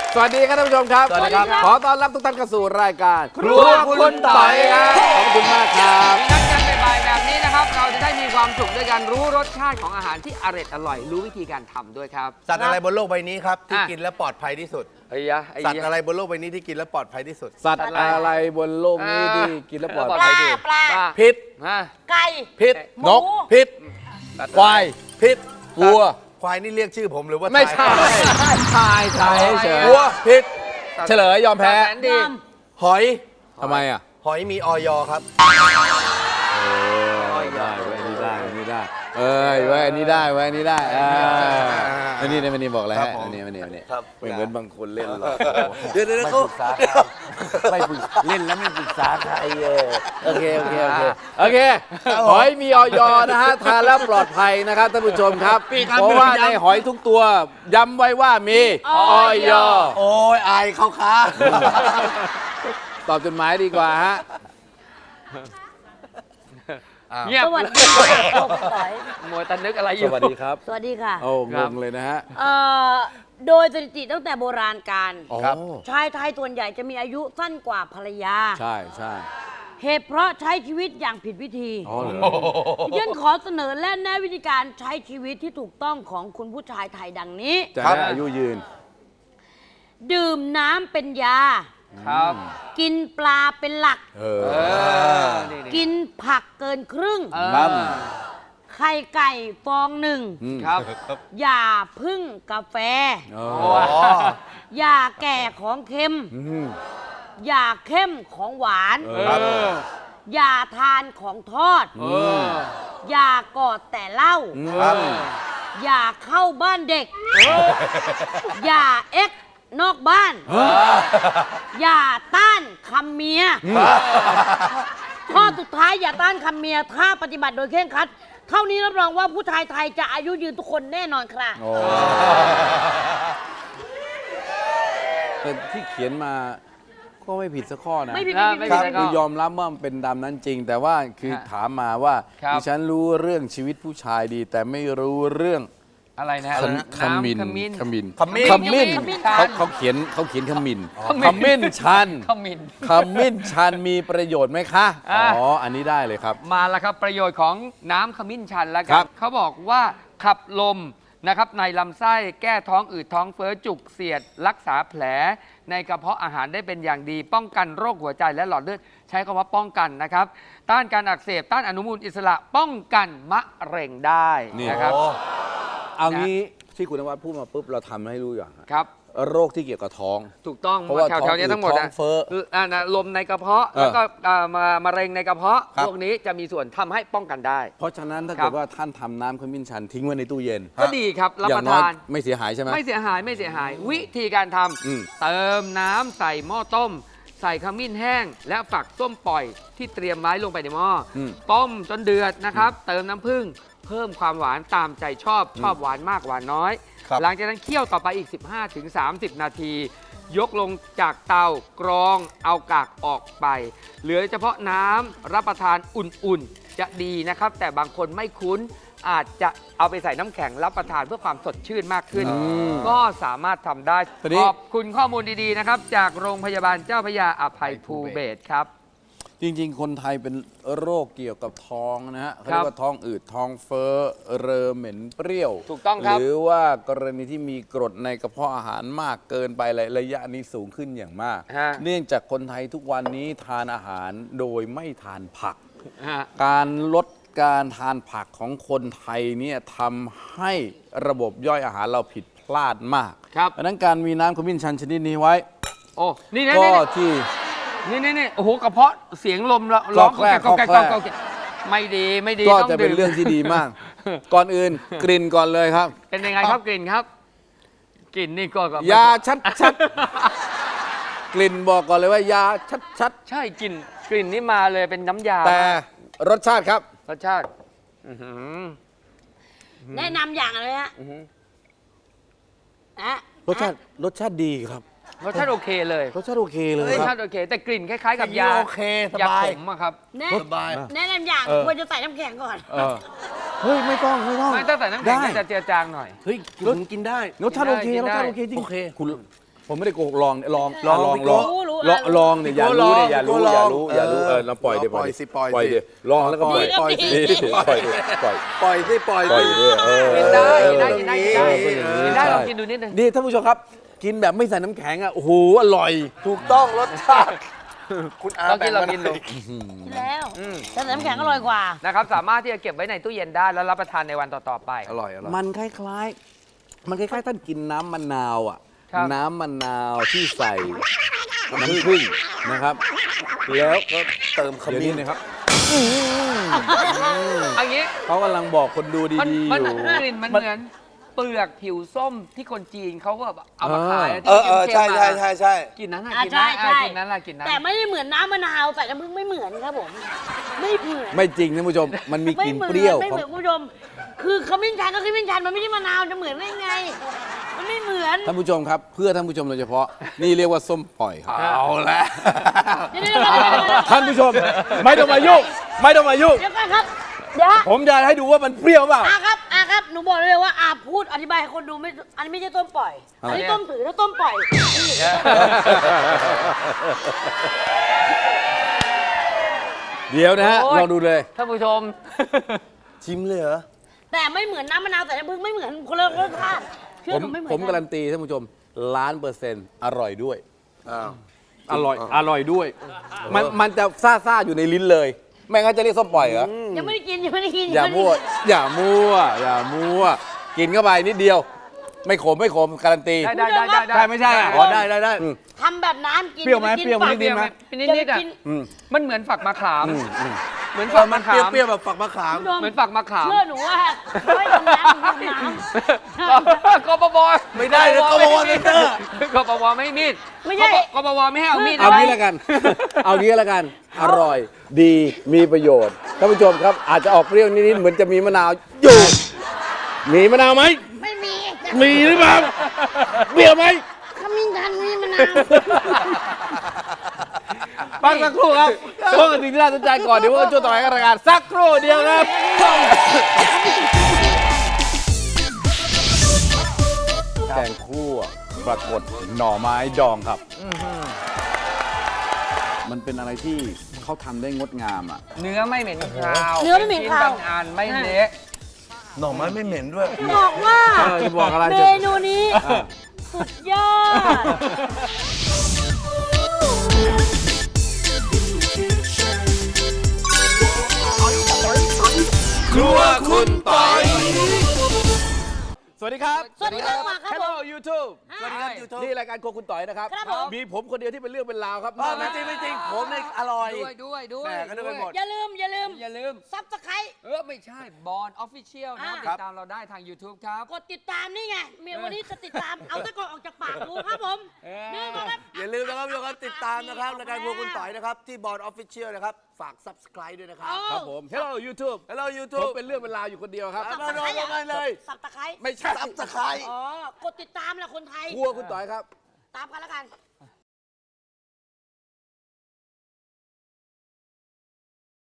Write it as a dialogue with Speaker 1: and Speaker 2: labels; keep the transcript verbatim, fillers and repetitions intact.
Speaker 1: สวัสดีครับท่านผู้ชมครับ
Speaker 2: สวัสดีครับ
Speaker 1: ขอต้อนรับทุกท่านเข้าสู่รายการครัวคุณต่อยครับขอบคุณมากครับ
Speaker 2: นัดกันบ่ายๆแบบนี้นะครับเราจะได้มีความสุขด้วยการรู้รสชาติของอาหารที่อร่อยอร่อยรู้วิธีการทำด้วยครับ
Speaker 3: สัตว์อะไรบนโลกใบนี้ครับที่
Speaker 2: อ่ะ
Speaker 3: กินแล้วปลอดภัยที่สุด
Speaker 2: ไอ้ยะไอ้
Speaker 3: สัตว์
Speaker 2: ยะ
Speaker 3: อะไรบนโลกใบนี้ที่กินแล้วปลอดภัยที่สุด
Speaker 1: สัตว์อะไรบนโลกนี้ที่กินแล้วปลอด
Speaker 2: ปลอด
Speaker 1: ภั
Speaker 2: ภั
Speaker 1: ย
Speaker 2: ย
Speaker 1: ดี
Speaker 4: ปลา
Speaker 3: พิษ
Speaker 2: ฮะ
Speaker 4: ไก่
Speaker 3: พิษ
Speaker 4: หมู
Speaker 3: นกพิษ
Speaker 1: ควาย
Speaker 3: พิษ
Speaker 1: วัว
Speaker 3: ควายนี่เรียกชื่อผมหรือว่า
Speaker 1: ไม่ใช่
Speaker 3: ทาย
Speaker 1: ชายชายเฉย
Speaker 3: วัวพิษ
Speaker 1: เฉลยยอมแพ้
Speaker 2: แสนดี
Speaker 3: หอย
Speaker 1: ทำไมอ่ะ
Speaker 3: หอยมีออยครับ
Speaker 1: ได้เว้ยอันนี้ได้อันนี้ได้ เอ้ยเว้ยอันนี้ได้เว้ยอันนี้ได้อ่าอันนี้เนี่ยมันนี่บอกอะไร
Speaker 3: ครั
Speaker 1: ฮะ
Speaker 3: บผม
Speaker 1: อันนี้อันนี้อันนี้
Speaker 3: ครับ
Speaker 1: ไม่เหมือนบางคนเล่นหรอก
Speaker 3: เดี๋ยวเดี๋ยว
Speaker 1: ไม่
Speaker 3: เขา
Speaker 1: ปรึกษาไม่ปรึกเล่นแล้วไม่ปรึกษาใครเออโอเคโอเคโอเคโอเคหอยมีออยนะฮะทานแล้วปลอดภัยนะครับท่านผู้ชมครับเพราะว่าในหอยทุกตัวย้ำไว้ว่ามีออย
Speaker 3: โอ้ยอายเขาค้า
Speaker 1: ตอบจดหมายดีกว่าฮะ
Speaker 2: เงียบ
Speaker 4: สวัสดีค่ะโลกคุณต่อย
Speaker 2: มัวแต่นึกอะไรอ
Speaker 1: ส
Speaker 2: ยู่
Speaker 1: วัสดีครับ
Speaker 4: สวัสดีค่ะ
Speaker 1: โอ้
Speaker 2: ค
Speaker 1: ง
Speaker 2: รับ
Speaker 1: งเลยนะฮะ
Speaker 4: เอ่อโดยสถิติตั้งแต่โบราณกาล
Speaker 1: อ๋อ
Speaker 4: ชายไทยส่วนใหญ่จะมีอายุสั้นกว่าภรรยา
Speaker 1: ใช่ใช่
Speaker 4: เหตุเพราะใช้ชีวิตอย่างผิดวิธี
Speaker 1: อ๋อเหรอ
Speaker 4: ดิฉันขอเสนอและแนะวิธีการใช้ชีวิตที่ถูกต้องของคุณผู้ชายไทยดังนี้
Speaker 1: จะ
Speaker 3: ครับ
Speaker 1: ได้อายุยืน
Speaker 4: ดื่มน้ำเป็นยา
Speaker 2: ครับ
Speaker 4: กินปลาเป็นหลัก
Speaker 1: เออ
Speaker 2: เออนี่
Speaker 4: กินผักเกินครึ่ง
Speaker 2: เออ
Speaker 1: ครับ
Speaker 4: ไข่ไก่ฟองหนึ่ง
Speaker 1: อืม
Speaker 2: ครับ
Speaker 4: อย่าพึ่งกาแฟ
Speaker 1: อ๋อ
Speaker 3: อ๋อ
Speaker 4: อย่าแก่ของเค็ม
Speaker 1: อืม
Speaker 4: อย่าเข้มของหวาน
Speaker 1: เอ
Speaker 2: เอ
Speaker 1: อ
Speaker 2: อ
Speaker 4: อย่าทานของทอด
Speaker 2: เออ
Speaker 4: อย่ากอดแต่เหล้า
Speaker 3: ครับ
Speaker 4: อย่าเข้าบ้านเด็ก อย่าเอ็กนอกบ้าน อย่าต้านคำเมีย ข้อสุดท้ายอย่าต้านคำเมีย ถ้าปฏิบัติโดยเคร่งครัด เท่านี้รับรองว่าผู้ชายไทยจะอายุยืนทุกคนแน่นอนค่ะ
Speaker 1: โอ้แต่ที่เขียนมาก็ไม่ผิดสักข้อนะ
Speaker 4: ไม่ผิด
Speaker 2: นะ
Speaker 4: ไม่
Speaker 2: ไม่
Speaker 4: ผิด
Speaker 2: ผิด
Speaker 4: ไม่ผิด
Speaker 1: คือยอมรับว่ามันเป็นดำนั้นจริง แต่ว่าคือ
Speaker 2: ฮะ
Speaker 1: ถามมาว่า
Speaker 2: ครับ
Speaker 1: ดิฉันรู้เรื่องชีวิตผู้ชายดี แต่ไม่รู้เรื่อง
Speaker 2: อะไรนะ
Speaker 1: ขมขมิ้น
Speaker 2: น้ำขมิ้น
Speaker 1: ขมิ้น
Speaker 3: ขมิ้น
Speaker 1: ขมิ้น
Speaker 4: ขมิ้น
Speaker 1: เขาเขาเขียนเขาเขียนขมิ้น
Speaker 2: ขมิ้น
Speaker 1: ขมิ้นชัน
Speaker 2: ขมิ้น
Speaker 1: ขมิ้นชันมีประโยชน์ไหมคะ
Speaker 2: อ่ะ
Speaker 1: อ๋ออันนี้ได้เลยครับ
Speaker 2: มาแล้วครับประโยชน์ของน้ำขมิ้นชันแล้ว
Speaker 1: ค
Speaker 2: กั
Speaker 1: รั
Speaker 2: น
Speaker 1: บ
Speaker 2: เขาบอกว่าขับลมนะครับในลำไส้แก้ท้องอืดท้องเฟ้อจุกเสียด รักษาแผลในกระเพาะอาหารได้เป็นอย่างดี ป้องกันโรคหัวใจและหลอดเลือดใช้คำว่าป้องกันนะครับ ต้านการอักเสบต้านอนุมูลอิสระป้องกันมะเร็งได้
Speaker 1: นี่
Speaker 2: นะครับ
Speaker 3: โอ้
Speaker 1: เอางี้ที่คุณนวัดพูดมาปุ๊บเราทำให้รู้อย่างฮะ
Speaker 2: ครับ
Speaker 1: โรคที่เกี่ยวกับท้อง
Speaker 2: ถูกต้อง
Speaker 1: เพราะว่า
Speaker 2: แถวๆนี้ทั้งหมด
Speaker 1: ท้องเฟ้อ
Speaker 2: อ่านะลมในกระเพาะ
Speaker 1: เออ
Speaker 2: แล้วก็อ่ามามะเร็งในกระเพาะ
Speaker 1: ครับ
Speaker 2: พวกนี้จะมีส่วนทำให้ป้องกันได้
Speaker 1: เพราะฉะนั้นถ้า
Speaker 2: ครั
Speaker 1: เกิ
Speaker 2: บ
Speaker 1: ดว่าท่านทำน้ำขมิ้นชันทิ้งไว้ในตู้เย็น
Speaker 2: ก็ดีครับรับ
Speaker 1: อย่า
Speaker 2: ป
Speaker 1: ง
Speaker 2: ระ
Speaker 1: น้อย
Speaker 2: ทาน
Speaker 1: ไม่เสียหายใช่ไหม
Speaker 2: ไม่เสียหายไม่เสียหาย วิธีการท
Speaker 1: อืม
Speaker 2: ำเติมน้ำใส่หม้อต้ม ใส่ขมิ้นแห้ง และฝักส้มปล่อยที่เตรียมไว้ลงไปในหม้ออ
Speaker 1: ม
Speaker 2: ต้มจนเดือดนะครับ เติมน้ำผึ้งเพิ่มความหวานตามใจชอบชอบหวานมากหวานน้อย
Speaker 3: ครับ
Speaker 2: หลังจากนั้นเคี่ยวต่อไปอีก สิบห้าถึงสามสิบ นาที ยกลงจากเตากรองเอากากออกไป เหลือเฉพาะน้ำรับประทานอุ่นๆ จะดีนะครับ แต่บางคนไม่คุ้นอาจจะเอาไปใส่น้ำแข็งรับประทานเพื่อความสดชื่นมากขึ้น
Speaker 1: ม
Speaker 2: ก็สามารถทำได้
Speaker 1: ตอนนี้
Speaker 2: ขอบคุณข้อมูลดีๆนะครับ จากโรงพยาบาลเจ้าพระยาอภัยภูเบศรครับ
Speaker 1: จริงๆ คนไทยเป็นโรคเกี่ยวกับท้องนะฮะเขา
Speaker 2: ครั
Speaker 1: เรีย
Speaker 2: บ
Speaker 1: กว่าท้องอืดท้องเฟ้อเรอเหม็นเปรี้ยว
Speaker 2: ถูกต้องครับ
Speaker 1: หรือว่ากรณีที่มีกรดในกระเพาะอาหารมากเกินไประระยะนี้สูงขึ้นอย่างมาก
Speaker 2: ฮะ
Speaker 1: เนื่องจากคนไทยทุกวันนี้ทานอาหารโดยไม่ทานผัก
Speaker 2: ฮะ
Speaker 1: การลดการทานผักของคนไทยเนี่ยทำให้ระบบย่อยอาหารเราผิดพลาดมาก
Speaker 2: ครับ
Speaker 1: เพราะฉะนั้นการมีน้ำขมิ้นชันชนิดนี้ไว้
Speaker 2: โอ้นี่นี่
Speaker 1: ก็
Speaker 2: นี่
Speaker 1: ที่
Speaker 2: นี่นี่นี่โอ้โหกระเพาะเสียงลมละร้อง
Speaker 1: ก็แคร่
Speaker 2: ก็แก
Speaker 1: ก็แคร่
Speaker 2: ก็แกไม่ดีไม่ดี
Speaker 1: ก็
Speaker 2: ต้อง
Speaker 1: จะเป็น
Speaker 2: ดื่ม
Speaker 1: เรื่องที่ดีมาก ก่อนอื่นกลิ่นก่อนเลยครับ
Speaker 2: เป็นยังไงครับกลิ่นครับ กลิ่นนี่ก็ก็
Speaker 1: ยาชัดชัดๆ กลิ่นบอกก่อนเลยว่ายาชัดชัด
Speaker 2: ใช่กลิ่นกลิ่นนี่มาเลยเป็นน้ำยา
Speaker 1: ๆแต่รสชาติครับ
Speaker 2: รสชาติอื้อหือ
Speaker 4: แนะนำอย่างเลยฮะ
Speaker 2: อื้อหือ
Speaker 4: อะ
Speaker 1: รสชาติรสชาติดีครับ
Speaker 2: รสชาติโอเคเลย
Speaker 1: รสชาติโอเคเลย
Speaker 2: รส
Speaker 1: ค
Speaker 2: ชา
Speaker 1: รับ
Speaker 2: ติโอเค แต่กลิ่นคล้ายๆ กับยา
Speaker 3: โอเคส
Speaker 2: ยา
Speaker 3: บาย
Speaker 2: ขมอะครับ
Speaker 4: แนะ
Speaker 3: สบาย
Speaker 4: แนะนำอย่าง
Speaker 1: เออ
Speaker 4: ควรจะใส่น้ำแข็งก่อน
Speaker 1: เออเฮ้ยไม่ต้องไม่ต้อง
Speaker 2: ไม่ต้องใส่น้ำแข็ง
Speaker 1: ได้
Speaker 2: จะเจือจางหน่อย
Speaker 3: เฮ้ยผมกินได้
Speaker 1: รสชาติโอเค
Speaker 2: กิน
Speaker 1: รส
Speaker 2: ได้
Speaker 1: ชาติโอเคจริง
Speaker 3: โอเค
Speaker 1: คุณผมไม่ได้โกหกลองลอง
Speaker 3: ลอง
Speaker 1: ลอง
Speaker 3: พี่
Speaker 1: ล
Speaker 3: โก้
Speaker 1: อง
Speaker 4: รู้
Speaker 1: ลองลองเนี่ยอย่ารู้เนี่ยอย่ารู้อย่ารู้อย่ารู้
Speaker 3: เออ
Speaker 1: เออเราปล่อยเดี๋ยว
Speaker 3: ปล่อยสิปล่อย
Speaker 1: ปล่อย
Speaker 3: สิ
Speaker 1: เดี๋ยวลองแล้วก็ปล่อย
Speaker 3: ปล่อยสิ
Speaker 1: นี่ปล่อยดิปล่อย
Speaker 3: ปล่อยสิปล่อย
Speaker 1: ปล่อย
Speaker 3: สิ
Speaker 1: ด้วยเออ
Speaker 2: กินได้
Speaker 1: เออ
Speaker 2: กินได้กินได้กินได้
Speaker 1: เออ
Speaker 2: กินได้
Speaker 1: ใช่
Speaker 2: ลองกินดูนิดนึง
Speaker 1: นี่ท่านผู้ชมครับ กินแบบไม่ใส่น้ำแข็งอ่ะโอ้โหอร่อย
Speaker 3: ถูกต้องรสชาติคุณอา
Speaker 2: ลองกินลอง
Speaker 3: แบ่
Speaker 2: กิน
Speaker 3: มา
Speaker 2: ดู
Speaker 3: หอย
Speaker 4: กินแล้วแต่น้ำแข็งอร่อยกว่า
Speaker 2: นะครับสามารถที่จะเก็บไว้ในตู้เย็นได้แล้วรับประทานในวันต่อๆไป
Speaker 3: อร่อยอร่อย
Speaker 1: มันคล้ายๆ มันคล้ายๆท่านกินน้ำมะนาวอ่ะ
Speaker 2: ครับ
Speaker 1: น้ำมะนาวที่ใส่น้ำผึ้งนะครับ แล้วก็
Speaker 3: เติมข
Speaker 1: เดี๋ยว
Speaker 3: มิ้
Speaker 1: นี้
Speaker 3: น
Speaker 1: นะครับ
Speaker 2: อันนี้
Speaker 1: เขากำลังบอกคนดู
Speaker 2: มัน
Speaker 1: ดีๆ
Speaker 2: มัน
Speaker 1: อยู่
Speaker 2: กลิ่นมันเหมือนเปลือกผิวส้มที่คนจีนเขาก็แบบเอามาขายะ
Speaker 3: เออเออ
Speaker 2: ที่
Speaker 3: ใช่
Speaker 2: เข้มๆ
Speaker 3: ใช่
Speaker 2: อะ
Speaker 3: ใช่ใช่
Speaker 2: กลิ่นนั้นอะ
Speaker 4: อ่ะ
Speaker 2: กลิ่นนั้น
Speaker 4: ใช่
Speaker 2: อะ
Speaker 4: ใช่
Speaker 2: กลิ่นนั้นอะกลิ่นนั้น
Speaker 4: แต่ไม่ได้เหมือนน้ำมะนาวใส่น้ำผึ้งไม่เหมือนครับผม ไม่เหมือน
Speaker 1: ไม่จริงท่านผู้ชม มันมีก
Speaker 4: ไม่
Speaker 1: ลิ่น
Speaker 4: เหมือน
Speaker 1: เปรี้ยว
Speaker 4: ไม่
Speaker 1: ข
Speaker 4: เห
Speaker 1: อง
Speaker 4: มือนคุณผู้ชม คือขมิ้นชันก็ขมิ้นชันมันไม่ใช่มะนาวจะเหมือนได้ไง มันไม่เหมือน
Speaker 1: ท่านผู้ชมครับ เพื่อท่านผู้ชมโดยเฉพาะ นี่เรียกว่าส้มปล่อยครับ
Speaker 3: เอาละ
Speaker 4: เดี๋ยวเดี๋ยวเดี๋ยวเดี๋ยวเดี๋ยว
Speaker 1: ท่านผู้ชม ไม่ต้องมายุ่งไม่ต้องมายุ่ง
Speaker 4: เดี๋ยวก่อนครับ เดี๋ยว
Speaker 1: ผมจะให้ดูว่ามันเปรี้ยวเปล่า
Speaker 4: อาครับอาครับ หนูบอกเลยว่าอาพูดอธิบายให้คนดูไม่ อันนี้ไม่ใช่ต้มปล่อย อันนี้ต้มถือถ้าต้มปล่อยนี่
Speaker 1: เดี๋ยวนะฮะ
Speaker 2: โอ้ย
Speaker 1: ลองดูเลย
Speaker 2: ท่านผู้ชม
Speaker 3: ชิมเลยเหรอ
Speaker 4: แต่ไม่เหมือนน้ำมะนาวใส่น้ำผึ้งไม่เหมือนคนละรสชาติเชื่
Speaker 1: ผ
Speaker 4: อ
Speaker 1: ม
Speaker 4: หนูไม่เหมือน
Speaker 1: ผมการันตีท่านผู้ชมล้านเปอร์เซ็นต์อร่อยด้วย
Speaker 3: อ้าว
Speaker 1: อร่อย อร่อยด้วย มันมันจะซ่าซ่าๆอยู่ในลิ้นเลย ไม่งั้นจะเรียกส้มปล่อยเหรอ
Speaker 4: ยังไม่ได้กินยังไม่ได้กิน
Speaker 1: อย่า
Speaker 4: ยังไได้
Speaker 1: มั่ว
Speaker 4: กิน
Speaker 1: อย่ามั่ว อย่ามั่ว กินเข้าไปนิดเดียว ไม่ขมไม่ขมการันตี
Speaker 2: ได้ได้ได้ได้
Speaker 1: ใช่ไม่ใช่อะ
Speaker 3: อ๋อได้ได้ได้
Speaker 1: อืม
Speaker 4: ทำแบบน้ำกิน
Speaker 1: เปรี้ยวไหม
Speaker 4: อาปกิน
Speaker 1: เปรี้ยวไหม
Speaker 4: ปาก
Speaker 1: นิดๆไหม
Speaker 2: เป็นนิดนิดๆ
Speaker 4: อย่า
Speaker 2: อ่ะ
Speaker 4: ไปกิน
Speaker 1: อืม
Speaker 2: มันเหมือนฝักมะขาม
Speaker 1: อืมอืม
Speaker 2: เหมือน
Speaker 3: เอ
Speaker 2: ฝั
Speaker 3: อก มั
Speaker 2: มะ
Speaker 3: น
Speaker 2: ขาม
Speaker 3: เปรี้ยวๆแบบฝักมะขาม
Speaker 4: คุณผู้ชม
Speaker 2: เหมือนฝักมะขาม
Speaker 4: เชื่อหนูว่าเขาให้ทำน้ำทำน้ำ
Speaker 2: กปป
Speaker 3: ไม่ได้นะกปปไม่ได้
Speaker 2: กปปไม่ให้มีด
Speaker 4: ไม่ใช่
Speaker 2: กปปไม่ให้เอามีด
Speaker 1: เอา
Speaker 2: นะ
Speaker 1: งี้แล้วกัน เอางี้แล้วกัน อร่อย ดี มีประโยชน์ ท่านผู้ชมครับ อาจจะออกเปรี้ยวนิดๆ เหมือนจะมีมะนาวอยู่ มีมะนาวไหม
Speaker 4: ไม่มี
Speaker 1: มีหรือเปล่า เปรี้ยวไหม
Speaker 4: ขมิ้นชันมีมะนาว
Speaker 1: พักสักครู่ครับพวกกันสิ่งที่น่าสนใจก่อน เดี๋ยวพวกกันช่วงต่อไปกับรายการสักครู่เดียวครับ แกงคั่วปรากฏหน่อไม้ดองครับ มันเป็นอะไรที่เขาทำได้งดงามอ่ะ
Speaker 2: เนื้อไม่เหม็นคาว
Speaker 4: เนื้อไม่เหม็นคาว
Speaker 2: ป็ชิ้บางอันไม่เละ
Speaker 3: หน่อไม้ไม่เหม็นด้วย
Speaker 4: บอกว่า
Speaker 1: เออจะบอกอะไร
Speaker 4: เม
Speaker 1: จะ
Speaker 4: นูนี้
Speaker 1: อ่ะ
Speaker 4: สุดยอด
Speaker 3: ครัวคุณปอย
Speaker 1: สวัสดีครับ
Speaker 4: สวัสดีครับมาครับผม
Speaker 1: Hello YouTube
Speaker 3: สวัสดีครับ YouTube
Speaker 1: นี่รายการโครัวคุณต่อยนะครับ
Speaker 4: ครับผม
Speaker 1: มีผมคนเดียวที่เป็นเรื่องเป็นราวครับ
Speaker 3: เออไม่จริงไม่จริงผมเนี่ยอร่อย
Speaker 2: ด้วยด้วยด้วย
Speaker 3: แหม่ก็นึกไปหมด
Speaker 4: อย่าลืม อย่าลืม
Speaker 2: อย่าลืม
Speaker 4: ซับสไครต์
Speaker 2: เออ ไม่ใช่บอลออฟฟิเชียลนะครับ
Speaker 4: อ่า
Speaker 2: ติดตามเราได้ทาง YouTube ครับ
Speaker 4: กดติดตามนี่ไงเมียวันนี้จะติดตาม เอาตะกอนออกจากปากดูครับผม
Speaker 2: เออ
Speaker 4: นี่นะครับ
Speaker 3: อย่าลืมนะครับทุกคนติดตามนะครับรายการครัวคุณต่อยนะครับ ที่บอร์ดออฟฟิเชียลนะครับ ฝาก subscribe ด้วยนะครับ
Speaker 1: ครับผม Hello YouTube
Speaker 3: Hello
Speaker 1: ผม
Speaker 3: YouTube
Speaker 1: เป็นเรื่องเป็นราวอยู่คนเดียวครับ
Speaker 3: เอามาลงกันเลย
Speaker 4: สับตะไคร้
Speaker 1: ไม่ใช่
Speaker 3: subscribe
Speaker 4: อ๋อ กดติดตามแหละคนไทย
Speaker 1: ครัวคุณต่อยครับ
Speaker 4: ตามกันแล้วกัน